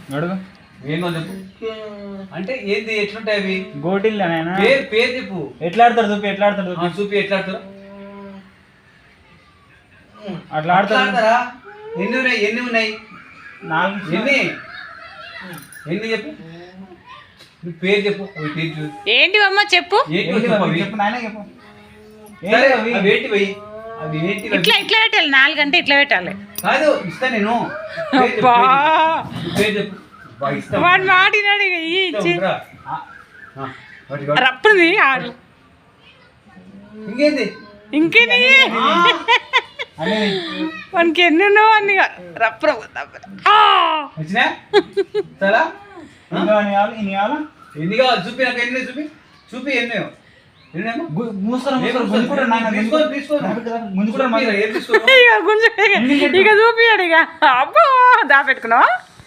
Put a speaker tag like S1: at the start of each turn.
S1: అడుగు
S2: ఏందో చెప్పు. అంటే ఏంది ఎట్లుంటాయి అవి?
S1: గోటిల్
S2: పేరు చెప్పు.
S1: ఎట్లా ఆడతారు చూపి, ఎట్లా ఆడతారు
S2: చూపి, ఎట్లా ఆడతారు?
S1: అట్లా ఆడతారా?
S2: ఎన్ని ఉన్నాయి?
S1: 4.
S2: ఎన్ని చెప్పు. పేరు చెప్పు.
S3: ఏంటి అమ్మ చెప్పు.
S1: చెప్పు నాయన చెప్పు.
S3: ఇట్లా పెట్టాలి, 4 అంటే ఇట్లా పెట్టాలి.
S2: కాదు ఇస్తా నేను. పేరు చెప్పు.
S3: వాడు మాటినాడు ఇచ్చి రప్పుది ఆడు.
S2: ఇంకేంది?
S3: ఇంకేది వానికి ఎన్ని ఉన్నావు అన్ని రప్పు
S2: వచ్చినా చాలా
S1: ఎన్ని కావాలా?
S2: ఎన్ని కావాలి చూపి, నాకు ఎన్ని చూపి. చూపి ఎన్నో
S3: ఇక చూపియాడు. ఇక అబ్బో దా పెట్టుకున్నావా?